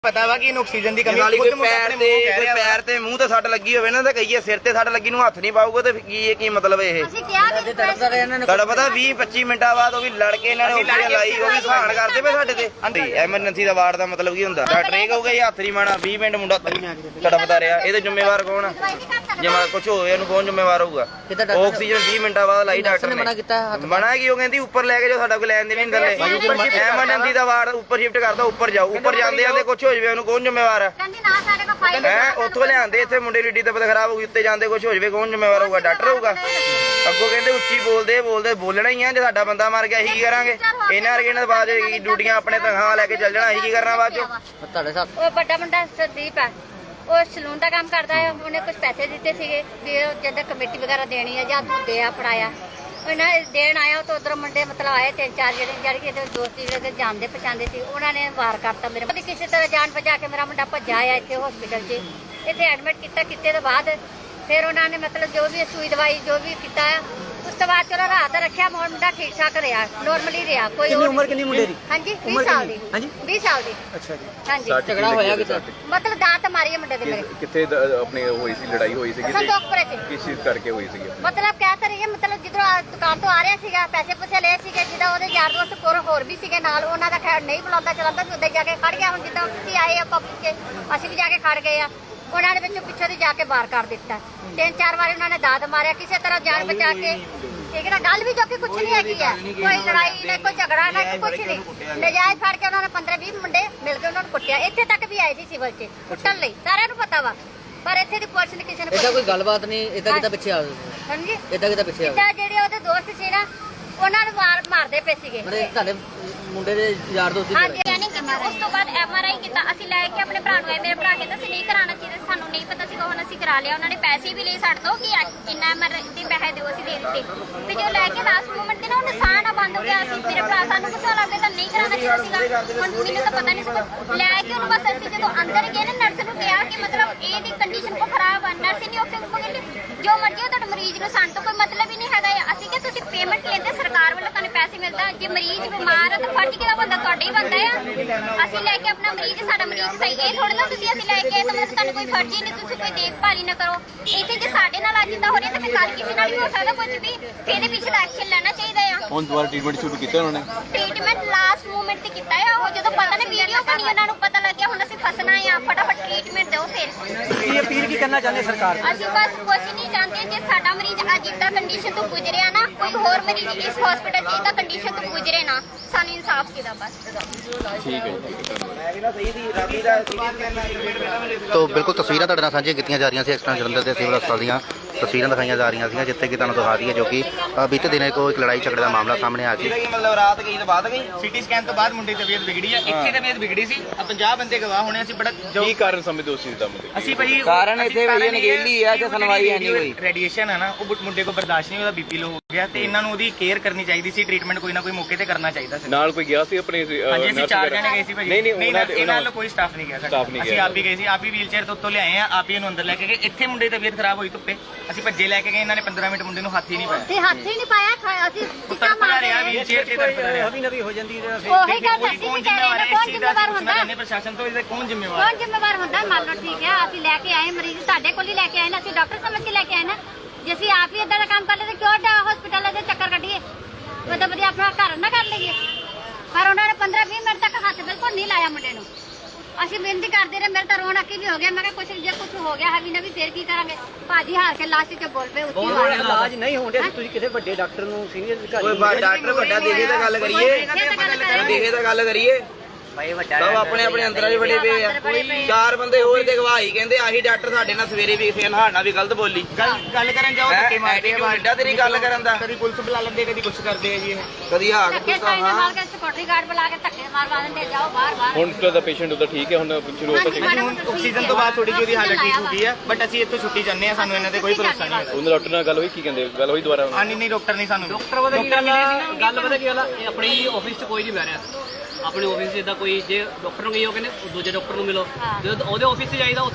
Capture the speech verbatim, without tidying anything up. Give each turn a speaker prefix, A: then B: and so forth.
A: पता वा कि ऑक्सीजन की कमी
B: नाली कोई पैर ते कोई पैर ते मूंह ते सट लगी होवे ना ते कहिए सिर ते सट लगी नु हत्थ नहीं पाऊगा ते की ये की मतलब है
C: ਅਸੀਂ ਕਿਹਾ ਕਿ
B: ਤੁਹਾਡਾ ਪਤਾ ਵੀਹ ਪੱਚੀ ਮਿੰਟਾਂ ਬਾਅਦ ਉਹ ਵੀ ਲੜ ਕੇ ਇਹਨਾਂ ਨੇ ਉੱਪਰ ਲਾਈ ਉਹ ਵੀ ਸਹਾਨ ਕਰਦੇ ਪਏ ਸਾਡੇ ਤੇ ਐਮਰਜੈਂਸੀ ਦਾ ਵਾਰਡ ਦਾ ਮਤਲਬ ਕੀ ਹੁੰਦਾ ਡਾਕਟਰ ਇਹ ਕਹੂਗਾ ਇਹ ਹੱਥ ਨਹੀਂ ਮਾਣਾ ਵੀਹ ਮਿੰਟ ਮੁੰਡਾ ਤੁਹਾਡਾ ਪਤਾ ਰਿਹਾ ਇਹਦੇ ਜ਼ਿੰਮੇਵਾਰ ਕੌਣ ਆ ਜੇ ਮਾ ਕੁਝ ਹੋਵੇ ਇਹਨੂੰ ਕੌਣ ਜ਼ਿੰਮੇਵਾਰ ਹੋਊਗਾ ਆਕਸੀਜਨ ਵੀਹ ਮਿੰਟਾਂ ਬਾਅਦ ਲਾਈ ਡਾਕਟਰ ਨੇ ਮਨਾ ਕੀ ਉਹ ਕਹਿੰਦੀ ਉੱਪਰ ਲੈ ਕੇ ਜੋ ਸਾਡਾ ਕੋਈ ਲੈਣ ਦੇ ਨਹੀਂ ਥੱਲੇ ਐਮਰਜੈਂਸੀ ਦਾ ਵਾਰਡ ਉੱਪਰ ਸ਼ਿਫਟ ਕਰਦਾ ਉੱਪਰ ਜਾਓ ਉੱਪਰ ਜਾਂਦੇ ਜਾਂਦੇ ਕੁਝ ਹੋ ਜਾਵੇ ਉਹਨੂੰ ਕੌਣ ਜ਼ਿੰਮੇਵਾਰ ਆ
C: ਕਹਿੰਦੀ ਨਾ ਸਾਡੇ ਕੋਲ ਫਾਈਲ
B: ਹੈ ਉੱਥੋਂ ਲਿਆਂਦੇ ਇੱਥੇ ਮੁੰਡੇ ਦੀ ਤਬੀਅਤ ਖਰਾਬ ਹੋ ਗਈ ਉੱਤੇ ਜਾਂਦੇ ਕੁਝ ਹੋ ਜਾਵੇ ਕੌਣ ਜ਼ਿੰਮੇਵਾਰ ਹੋਊਗਾ ਡਾਕਟਰ ਹੋਊਗਾ ਅੱਗੋਂ ਕਹਿੰਦੇ ਉੱਚੀ ਬੋਲਦੇ ਬੋਲਦੇ ਬੋਲਣਾ ਹੀ ਆ ਜੇ ਸਾਡਾ ਬੰਦਾ ਮਰ ਗਿਆ ਅਸੀਂ ਕੀ ਕਰਾਂਗੇ ਇਹਨਾਂ ਵਰਗੇ ਨਾਲ ਬਾਅਦ ਡਿਊਟੀਆਂ ਆਪਣੇ ਤਨਖਾਹ ਲੈ ਕੇ ਚੱਲ ਜਾਣਾ ਅਸੀਂ ਕੀ ਕਰਨਾ ਬਾਅਦ ਚੋਂ
C: ਤੁਹਾਡੇ ਸਾਥ ਉਹ ਵੱਡਾ ਮੁੰਡਾ ਸਰਦੀਪ ਹੈ ਉਹ ਸਲੂਨ ਦਾ ਕੰਮ ਕਰਦਾ ਹੈ ਉਹਨੇ ਕੁਝ ਪੈਸੇ ਦਿੱਤੇ ਸੀਗੇ ਵੀ ਜਦੋਂ ਕਮੇਟੀ ਵਗੈਰਾ ਦੇਣੀ ਹੈ ਜਾਂ ਦੇ ਆ ਫੜਾਇਆ ਉਹਨਾਂ ਦੇਣ ਆਇਆ ਤਾਂ ਉਧਰ ਮੁੰਡੇ ਮਤਲਬ ਆਏ ਤਿੰਨ ਚਾਰ ਜਿਹੜੇ ਜਿਹੜੇ ਕਿ ਇਹਦੇ ਦੋਸਤ ਜਿਹੜੇ ਜਾਣਦੇ ਪਛਾਣਦੇ ਸੀ ਉਹਨਾਂ ਨੇ ਵਾਰ ਕਰਤਾ ਮੇਰੇ ਮੁੰਡੇ ਕਿਸੇ ਤਰ੍ਹਾਂ ਜਾਨ ਬਚਾ ਕੇ ਮੇਰਾ ਮੁੰਡਾ ਭੱਜਾ ਆਇਆ ਇੱਥੇ ਹਸਪੀਟਲ 'ਚ ਇੱਥੇ ਐਡਮਿਟ ਕੀਤਾ ਕੀਤੇ ਤੋਂ ਬਾਅਦ ਫਿਰ ਉਹਨਾਂ ਨੇ ਮਤਲਬ ਜੋ ਵੀ ਸੂਈ ਦਵਾਈ ਜੋ ਵੀ ਕੀਤਾ ਉਸ ਤੋਂ ਬਾਅਦ ਚਲੋ ਰਾਤ ਰੱਖਿਆ ਮੁੰਡਾ ਠੀਕ ਠਾਕ ਰਿਹਾ ਨੋਰਮਲੀ ਰਿਹਾ ਕੋਈ
A: ਕਿੰਨੀ ਉਮਰ ਕਿੰਨੀ ਮੁੰਡੇ ਦੀ
C: ਹਾਂਜੀ ਵੀਹ ਸਾਲ ਦੀ
A: ਹਾਂਜੀ
C: ਵੀਹ ਸਾਲ ਦੀ
A: ਅੱਛਾ ਜੀ
C: ਹਾਂਜੀ
D: ਝਗੜਾ ਹੋਇਆ ਕਿਤੇ
C: ਮਤਲਬ ਦਾਤ ਮਾਰੀ ਹੈ ਮੁੰਡੇ ਦੇ ਮੇਰੇ
D: ਕਿੱਥੇ ਆਪਣੇ ਹੋਈ ਸੀ ਲੜਾਈ ਹੋਈ ਸੀ
C: ਸੰਦੋਖਪੁਰੇ 'ਚ
D: ਕਿਸ ਚੀਜ਼ ਕਰਕੇ ਹੋਈ ਸੀ
C: ਮਤਲਬ ਕਹਿ ਤਾਂ ਰਹੀ ਹੈ ਮਤਲਬ ਜਿੱਧਰੋਂ ਦੁਕਾਨ ਤੋਂ ਆ ਰਿਹਾ ਸੀਗਾ ਪੈਸੇ ਪੂਸੇ ਲਏ ਸੀਗੇ ਜਿਹਦਾ ਉਹਦੇ ਯਾਰ ਦੋਸਤ ਕੋਲ ਹੋਰ ਵੀ ਸੀਗੇ ਨਾਲ ਉਹਨਾਂ ਦਾ ਖੈਰ ਨਹੀਂ ਬੁਲਾਉਂਦਾ ਚਲਾਉਂਦਾ ਵੀ ਉੱਧਰ ਜਾ ਕੇ ਖੜ ਗਿਆ ਹੁਣ ਜਿੱਦਾਂ ਤੁਸੀਂ ਆਏ ਆ ਪਬਲਿਕ 'ਚ ਅਸੀਂ ਵੀ ਜਾ ਕੇ ਖੜ ਗਏ ਆ ਉਹਨਾਂ ਨੇ ਵਿੱਚੋਂ ਪਿੱਛੋਂ ਦੀ ਜਾ ਕੇ ਬਾਹਰ ਕਰ ਦਿੱਤਾ ਤਿੰਨ ਚਾਰ ਵਾਰੀ ਉਹਨਾਂ ਨੇ ਦਾਦ ਮਾਰਿਆ ਕਿਸੇ ਤਰ੍ਹਾਂ ਜਾਨ ਬਚਾ ਕੇ ਠੀਕ ਹੈ ਗੱਲ ਵੀ ਜੋ ਕਿ ਕੁਝ ਨਹੀਂ ਹੈਗੀ ਹੈ ਕੋਈ ਲੜਾਈ ਨਾ ਕੋਈ ਝਗੜਾ ਨਾ ਕੁਝ ਨਹੀਂ ਨਜਾਇਜ਼ ਫੜ ਕੇ ਉਹਨਾਂ ਨੇ ਪੰਦਰਾਂ ਵੀਹ ਮੁੰਡੇ ਮਿਲ ਕੇ ਉਹਨਾਂ ਨੂੰ ਕੁੱਟਿਆ ਇੱਥੇ ਤੱਕ ਵੀ ਆਏ ਸੀ ਸਿਵਲ 'ਚ ਕੁੱਟਣ ਲਈ ਸਾਰਿਆਂ ਨੂੰ ਪਤਾ ਵਾ ਪਰ ਇੱਥੇ ਦੀ ਪੁਲਿਸ ਨੇ ਕਿਸੇ ਨੇ
E: ਇਹਦਾ ਕੋਈ ਗੱਲਬਾਤ ਨਹੀਂ ਇਦਾਂ ਕਿਦਾਂ ਪਿੱਛੇ ਆ
C: ਹਾਂਜੀ
E: ਇਦਾਂ ਕਿਦਾਂ ਪਿੱਛੇ ਆ
C: ਇੱਦਾਂ ਜਿਹੜੇ ਉਹਦੇ ਦੋਸਤ ਸੀ ਨਾ ਉਹਨਾਂ ਨੂੰ ਮਾਰ ਮਾਰਦੇ ਪਏ ਸੀਗੇ
E: ਮਰੇ ਤੁਹਾਡੇ ਮੁੰਡੇ ਦੇ ਯਾਰ ਦੋਸਤ
F: ਹਾਂਜੀ ਸਕੈਨਿੰਗ ਕੀਤੀ ਉਸ ਤੋਂ ਬਾਅਦ ਐਮ ਆਰ ਆਈ ਕੀਤਾ ਅਸੀਂ ਲੈ ਕੇ ਆਪਣੇ ਭਰਾ ਨੂੰ ਆਏ ਮੇਰੇ ਭਰਾ ਕਹਿੰਦਾ ਸੀ ਨਹੀਂ ਕਰਾਉਣਾ ਚਾਹੀਦਾ ਸਾਨੂੰ ਨਹੀਂ ਪਤਾ ਸੀ ਹੁਣ ਅਸੀਂ ਕਰਾ ਲਿਆ ਉਹਨਾਂ ਨੇ ਪੈਸੇ ਵੀ ਲਏ ਸਾਡੇ ਤੋਂ ਕਿ ਇੰਨਾ ਐਮ ਆਰ ਆਈ ਦੇ ਪੈਸੇ ਦਿਓ ਅਸੀਂ ਦੇ ਦਿੱਤੇ ਤੇ ਜੋ ਲੈ ਕੇ ਲਾਸਟ ਮੂਮੈਂਟ ਤੇ ਨਾ ਉਹ ਨਿਸ਼ਾਨ ਆ ਬੰਦ ਹੋ ਗਿਆ ਅਸੀਂ ਮੇਰੇ ਭਰਾ ਸਾਨੂੰ ਗੁੱਸਾ ਲੱਗਦਾ ਤਾਂ ਨਹੀਂ ਕਰਾਉਣਾ ਚਾਹੀਦਾ ਸੀਗਾ ਹੁਣ ਮੈਨੂੰ ਤਾਂ ਪਤਾ ਨਹੀਂ ਸੀ ਲੈ ਕੇ ਉਹਨੂੰ ਬਸ ਅਸੀਂ ਜਦੋਂ ਅੰਦਰ ਗਏ ਨਾ ਨਰਸ ਨੂੰ ਕਿਹਾ ਕਿ ਮਤਲਬ ਇਹਦੀ ਕੰਡੀਸ਼ਨ ਕੋ ਖਰਾਬ ਆ ਨਰਸ ਨਹੀਂ ਆਪਸ਼ਨ ਕੋ ਕਹਿੰਦੀ ਜੋ ਮਰਜ਼ੀ ਹੋ ਤੁਹਾਡੇ ਮਰੀਜ਼ ਨੂੰ ਸਾਨੂੰ ਤਾਂ ਕੋਈ ਮਤਲਬ ਹੀ ਨਹੀਂ ਹੈਗਾ ਅਸੀਂ ਕਿ ਤੁਸੀਂ ਪੇਮੈਂਟ ਲੈਂਦੇ ਸਰਕਾਰ ਵੱਲੋਂ ਤੁਹਾਨੂੰ ਪੈਸੇ ਮਿਲਦਾ ਜੇ ਮਰੀਜ਼ ਬਿਮਾਰ ਆ ਤਾਂ ਫਰਜ਼ ਕਿਹਦਾ ਬੰਦਾ ਤੁਹਾਡਾ ਹੀ ਬੰਦਾ ਆ ਅਸੀਂ ਲੈ ਕੇ ਆਪਣਾ ਮਰੀਜ਼ ਸਾਡਾ ਮਰੀਜ਼ ਸਹੀ ਇਹ ਥੋੜਾ ਨਾ ਤੁਸੀਂ ਅਸੀਂ ਲੈ ਕੇ ਆਏ ਤਾਂ ਮਤਲਬ ਤੁਹਾਨੂੰ ਕੋਈ ਫਰਜ਼ ਹੀ ਨਹੀਂ ਤੁਸੀਂ ਕੋਈ ਦੇਖਭਾਲ ਹੀ ਨਾ ਕਰੋ ਇੱਥੇ ਜੇ ਸਾਡੇ ਨਾਲ ਅੱਜ ਇਦਾਂ ਹੋ ਰਿਹਾ ਤਾਂ ਫਿਰ ਕੱਲ ਕਿਸੇ ਨਾਲ ਵੀ ਹੋ ਸਕਦਾ ਕੁਝ ਵੀ ਇਹਦੇ ਪਿੱਛੇ ਦਾ ਐਕਸ਼ਨ ਲੈਣਾ ਚਾਹੀਦਾ ਆ
D: ਹੁਣ ਦੁਬਾਰਾ ਟ੍ਰੀਟਮੈਂਟ ਸ਼ੁਰੂ ਕੀਤਾ ਉਹਨਾਂ ਨੇ
F: ਟ੍ਰੀਟਮੈਂਟ ਲਾਸਟ ਮੂਮੈਂਟ ਤੇ ਕੀਤਾ ਆ ਉਹ ਜਦੋਂ ਪਤਾ ਨੇ ਵੀਡੀਓ ਬਣੀ ਉਹਨਾਂ ਨੂੰ ਪਤਾ ਲੱਗਿਆ ਹੁਣ ਅਸੀਂ ਫਸਣਾ ਆ ਫਟਾਫਟ ਟ੍ਰੀਟਮੈਂਟ ਦਿਓ ਫਿਰ
A: ਕੀ ਅਪੀਲ ਕੀ ਕਰਨਾ ਚਾਹੁੰਦੇ ਸਰਕਾਰ ਨੂੰ
F: ਅਸੀਂ ਬਸ ਕੁਝ ਨਹੀਂ ਚਾਹੁੰਦੇ ਜੇ ਸਾਡਾ ਮਰੀਜ਼ ਅੱਜ ਇਦਾਂ ਕੰਡੀਸ਼ਨ ਤੋਂ ਗੁਜ਼ਰਿਆ ਨਾ ਕੋਈ ਹੋਰ ਮਰੀਜ਼ ਇਸ ਹਸਪੀਟਲ 'ਚ ਇਦਾਂ ਕੰਡੀਸ਼ਨ ਤੋਂ ਗੁਜ਼ਰੇ ਨਾ ਸਾਨੂੰ ਇਨਸਾਫ ਚਾਹੀਦਾ ਬਸ
D: ਠੀਕ ਹੈ
G: ਤੋ ਬਿਲਕੁਲ ਤਸਵੀਰਾਂ ਤੁਹਾਡੇ ਨਾਲ ਸਾਂਝੀਆਂ ਕੀਤੀਆਂ ਜਾ ਰਹੀਆਂ ਸੀ ਐਕਸਟਰਨ ਜਲੰਧਰ ਦੇ ਸਿਵਲ ਹਸਪਤਾਲ ਦੀਆਂ ਤਸਵੀਰਾਂ ਦਿਖਾਈਆਂ ਜਾ ਰਹੀਆਂ ਸੀ ਜਿੱਥੇ ਕਿ ਤੁਹਾਨੂੰ ਦਿਖਾ ਦਈਏ ਜੋ ਕਿ ਬੀਤੇ ਦਿਨੇ ਕੋਈ ਇੱਕ ਲੜਾਈ ਝਗੜੇ ਦਾ ਮਾਮਲਾ ਸਾਹਮਣੇ ਆ ਗਿਆ
B: ਮਤਲਬ ਰਾਤ ਗਈ ਤਾਂ ਬਾਅਦ ਗਈ
A: ਸਿਟੀ ਸਕੈਨ ਤੋਂ ਬਾਅਦ ਮੁੰਡੇ ਦੀ ਤਬੀਅਤ ਵਿਗੜੀ ਆ ਇੱਥੇ ਤਬੀਅਤ ਵਿਗੜੀ ਸੀ ਆ ਪੰਜਾਹ ਬੰਦੇ ਗਵਾਹ ਹੋਣੇ ਅਸੀਂ ਬੜਾ
D: ਕੀ ਕਾਰਨ ਸਮਝਦੇ ਹੋ ਇਸ ਚੀਜ਼ ਦਾ ਮੁੱਦੇ
A: ਅਸੀਂ ਭਾਈ
B: ਕਾਰਨ ਇੱਥੇ ਭਾਈ ਨਗੇਲੀ ਆ ਤੇ ਸੁਣਵਾਈ ਹੈ ਨਹੀਂ ਹੋਈ
A: ਰੇਡੀਏਸ਼ਨ ਹੈ ਨਾ ਉਹ ਮੁੰਡੇ ਕੋ ਬਰਦਾਸ਼ਤ ਨਹੀਂ ਉਹਦਾ ਬੀਪੀ ਲੋ ਹੋ ਗਿਆ ਤੇ ਇਹਨਾਂ ਨੂੰ ਉਹਦੀ ਕੇਅਰ ਕਰਨੀ ਚਾਹੀਦੀ ਸੀ ਟ੍ਰੀਟਮੈਂਟ ਕੋਈ ਨਾ ਕੋਈ ਮੌਕੇ ਤੇ ਕਰਨਾ ਚਾਹੀਦਾ ਸੀ
D: ਨਾਲ ਕੋਈ ਗਿਆ ਸੀ ਆਪਣੇ
A: ਹਾਂਜੀ ਅਸੀਂ ਚਾਰ ਜਣੇ ਗਏ ਸੀ ਭਾਈ
D: ਨਹੀਂ ਨਹੀਂ
A: ਉਹਨਾਂ ਦੇ ਇਹਨਾਂ ਨਾਲ ਕੋਈ ਸਟਾਫ ਨਹੀਂ ਗਿਆ
D: ਸਟਾਫ ਨਹੀਂ
A: ਅਸੀਂ ਆਪ ਹੀ ਗਏ ਸੀ ਆਪ ਹੀ ਵੀਲਚੇਅਰ ਤੋਂ ਉੱਤੋਂ ਲਿਆਏ ਆ ਆਪ ਹੀ ਇਹਨੂੰ ਅੰਦਰ ਲੈ ਕੇ ਗਏ ਇੱਥੇ ਮੁੰਡੇ ਦੀ ਤਬੀਅਤ ਖਰਾਬ ਹੋਈ ਧੁੱਪੇ ਅਸੀਂ ਭੱਜੇ ਲੈ ਕੇ ਗਏ ਇਹਨਾਂ ਨੇ ਪੰਦਰਾਂ ਮਿੰਟ ਮੁੰਡੇ ਨੂੰ ਹੱਥ ਹੀ ਨਹੀਂ ਪਾਇਆ
C: ਤੇ ਹੱਥ ਹੀ ਨਹੀਂ ਪਾਇਆ ਅਸੀਂ ਚਿੱਟਾ ਮਾਰ
A: ਰਿਹਾ ਵੀਲਚੇਅਰ ਤੇ ਤੜਫਦਾ ਰਿਹਾ ਹਵੀ ਨਵੀ ਹੋ ਜਾਂਦੀ ਹੈ
C: ਉਹੀ ਗੱਲ ਅਸੀਂ ਵੀ ਕਹਿ ਰਹੇ ਹਾਂ ਕੌਣ ਜ਼ਿੰਮੇਵਾਰ ਹੁੰਦਾ
A: ਹੈ ਪ੍ਰਸ਼ਾਸਨ ਤੋਂ ਇਹਦਾ ਕੌਣ ਜ਼ਿੰਮੇਵਾਰ
C: ਕੌਣ ਜ਼ਿੰਮੇਵਾਰ ਹੁੰਦਾ ਮੰਨ ਲਓ ਠੀਕ ਹੈ ਅਸੀਂ ਲੈ ਕੇ ਆਏ ਮਰੀਜ਼ ਤੁਹਾਡੇ ਕੋਲ ਹੀ ਲੈ ਕੇ ਆਏ ਨਾ ਅਸੀਂ ਡਾਕਟਰ ਸਮਝ ਕੇ ਲੈ ਕੇ ਆਏ ਨਾ ਜੇ ਅਸੀਂ ਆਪ ਹੀ ਇਦਾਂ ਦਾ ਕੰਮ ਕਰ ਲਏ ਤਾਂ ਕਿਉਂ ਹਸਪੀਟਲ ਦੇ ਚੱਕਰ ਕੱਢੀਏ ਉਹਦਾ ਵਧੀਆ ਆਪਣਾ ਘਰ ਨਾ ਕਰ ਲਈਏ ਪਰ ਉਹਨਾਂ ਨੇ ਪੰਦਰਾਂ ਵੀਹ ਮਿੰਟ ਤੱਕ ਹੱਥ ਬਿਲਕੁਲ ਨਹੀਂ ਲਾਇਆ ਮੁੰਡੇ ਨੂੰ ਅਸੀਂ ਬੇਨਤੀ ਕਰਦੇ ਰਹੇ ਮੇਰੇ ਤਾਂ ਰੋਣ ਅੱਕੀ ਵੀ ਹੋ ਗਿਆ ਮੈਂ ਕਿਹਾ ਕੁਛ ਜੇ ਕੁਛ ਹੋ ਗਿਆ ਹੈ ਵੀ ਨਾ ਵੀ ਫੇਰ ਕੀ ਕਰਾਂਗੇ ਭਾਜੀ ਹਾਰ ਕੇ ਲਾਸਟ 'ਚ ਬੋਲ ਪਏ ਉੱਚੀ ਆਵਾਜ਼ ਨਾਲ
A: ਇਲਾਜ ਨਹੀਂ ਹੋਣ ਡਿਆ ਤੁਸੀਂ ਕਿਸੇ ਵੱਡੇ ਡਾਕਟਰ ਨੂੰ ਸੀਨੀਅਰ ਅਧਿਕਾਰੀ
B: ਕੋਈ ਡਾਕਟਰ ਵੱਡਾ ਦੇਖੇ ਤਾਂ ਗੱਲ ਕਰੀਏ ਦੇਖੇ ਤਾਂ ਗੱਲ ਕਰੀਏ
A: ਭਾਈ ਵੱਡਾ
B: ਸਭ ਆਪਣੇ ਆਪਣੇ ਅੰਦਰਾਂ 'ਚ ਬੜੇ ਪਏ ਆ ਚਾਰ ਬੰਦੇ ਹੋਰ ਤੇ ਗਵਾਹੀ ਕਹਿੰਦੇ ਆਹੀ ਡਾਕਟਰ ਸਾਡੇ ਨਾਲ ਸਵੇਰੇ ਵੀ ਫੇਰ ਹਾੜਨਾ ਵੀ ਗਲਤ ਬੋਲੀ
A: ਗੱਲ ਗੱਲ ਕਰਨ ਜਾਓ ਧੱਕੇ ਮਾਰਦੇ ਆ
B: ਐਡਾ ਤੇਰੀ ਗੱਲ ਕਰਨ ਦਾ
A: ਕਦੀ ਪੁਲਿਸ ਬੁਲਾ ਲੈਂਦੇ ਕਦੀ ਕੁਛ ਕਰਦੇ ਆ ਜੀ
B: ਕਦੀ ਹਾਕ
C: ਧੱਕੇ ਸਾਈਨ ਮਾਰ ਕੇ ਸਿਕਿਉਰਿਟੀ ਗਾਰਡ ਬੁਲਾ ਕੇ ਧੱਕੇ ਮਾਰਵਾ ਦਿੰਦੇ ਜਾਓ ਬਾਹਰ ਬਾਹਰ
D: ਹੁਣ ਤੁਹਾਡਾ ਪੇਸ਼ੈਂਟ ਉਹਦਾ ਠੀਕ ਹੈ ਹੁਣ ਸ਼ੁਰੂ ਹੋ
A: ਹਾਂਜੀ ਹੁਣ ਆਕਸੀਜਨ ਤੋਂ ਬਾਅਦ ਥੋੜੀ ਜਿਹੀ ਉਹਦੀ ਹਾਲਤ ਠੀਕ ਹੋ ਗਈ ਹੈ ਬਟ ਅਸੀਂ ਇੱਥੋਂ ਛੁੱਟੀ ਜਾਂਦੇ ਆ ਸਾਨੂੰ ਇਹਨਾਂ ਤੇ ਕੋਈ ਭਰੋਸਾ ਨਹੀਂ ਹੈ
D: ਉਹਨਾਂ ਡਾਕਟਰ ਨਾਲ ਗੱਲ ਹੋਈ ਕੀ ਕਹਿੰਦੇ ਗੱਲ ਹੋਈ ਦੁਬਾਰਾ
A: ਹਾਂ ਨਹੀਂ ਨਹੀਂ ਡਾਕਟਰ ਨਹੀਂ ਸਾਨੂੰ
H: ਡਾਕਟਰ ਪਤਾ ਕੀ ਗੱਲ ਗੱਲ ਪਤਾ ਕੀ ਗੱਲ ਆਪਣੀ ਆਫਿਸ 'ਚ ਕੋਈ ਨਹੀਂ ਬਹਿ ਰਿਹਾ ਆਪਣੇ ਆਫਿਸ 'ਚ ਇਦਾਂ ਕੋਈ ਜੇ ਡਾਕਟਰ ਨੂੰ ਗਈ ਉਹ ਕਹਿੰਦੇ ਦੂਜੇ ਡਾਕਟਰ ਨੂੰ ਮਿਲੋ ਜਦੋਂ ਉਹਦੇ ਆਫਿਸ 'ਚ ਜਾਈਦਾ